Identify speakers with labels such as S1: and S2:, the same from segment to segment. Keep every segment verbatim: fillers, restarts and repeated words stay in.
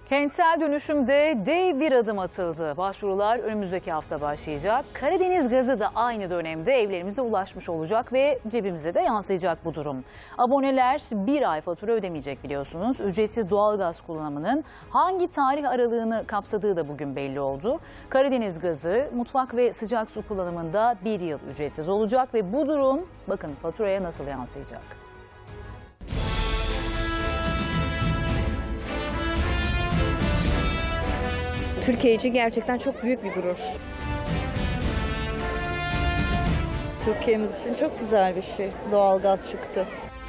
S1: Kentsel dönüşümde dev bir adım atıldı. Başvurular önümüzdeki hafta başlayacak. Karadeniz gazı da aynı dönemde evlerimize ulaşmış olacak ve cebimize de yansıyacak bu durum. Aboneler bir ay fatura ödemeyecek biliyorsunuz. Ücretsiz doğalgaz kullanımının hangi tarih aralığını kapsadığı da bugün belli oldu. Karadeniz gazı mutfak ve sıcak su kullanımında bir yıl ücretsiz olacak ve bu durum bakın faturaya nasıl yansıyacak.
S2: Türkiye için gerçekten çok büyük bir gurur.
S3: Türkiye'miz için çok güzel bir şey. Doğalgaz çıktı.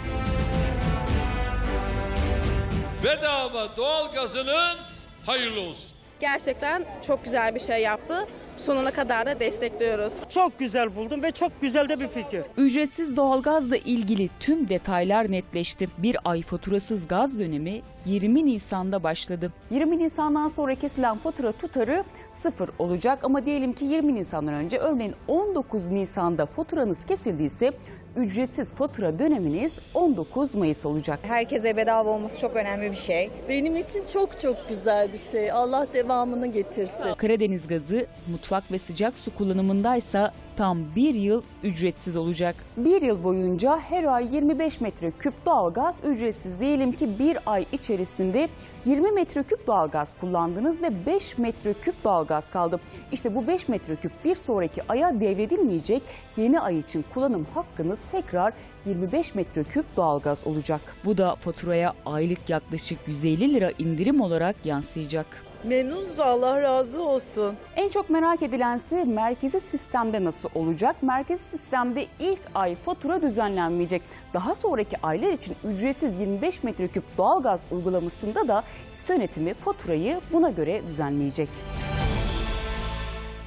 S4: Bedava doğalgazınız hayırlı olsun.
S5: Gerçekten çok güzel bir şey yaptı. Sonuna kadar da destekliyoruz.
S6: Çok güzel buldum ve çok güzel de bir fikir.
S7: Ücretsiz doğalgazla ilgili tüm detaylar netleşti. Bir ay faturasız gaz dönemi yirmi Nisan'da başladı. yirmi Nisan'dan sonra kesilen fatura tutarı sıfır olacak ama diyelim ki yirmi Nisan'dan önce örneğin on dokuz Nisan'da faturanız kesildiyse ücretsiz fatura döneminiz on dokuz Mayıs olacak.
S2: Herkese bedava olması çok önemli bir şey.
S3: Benim için çok çok güzel bir şey. Allah devamını getirsin.
S7: Karadeniz gazı mutfak ve sıcak su kullanımındaysa tam bir yıl ücretsiz olacak. Bir yıl boyunca her ay yirmi beş metreküp doğalgaz ücretsiz. Diyelim ki bir ay içerisinde yirmi metreküp doğalgaz kullandınız ve beş metreküp doğalgaz kaldı. İşte bu beş metreküp bir sonraki aya devredilmeyecek. Yeni ay için kullanım hakkınız tekrar yirmi beş metreküp doğalgaz olacak. Bu da faturaya aylık yaklaşık yüz elli lira indirim olarak yansıyacak.
S3: Memnunuz, Allah razı olsun.
S7: En çok merak edilense merkezi sistemde nasıl olacak? Merkezi sistemde ilk ay fatura düzenlenmeyecek. Daha sonraki aylar için ücretsiz yirmi beş metreküp doğalgaz uygulamasında da site yönetimi faturayı buna göre düzenleyecek.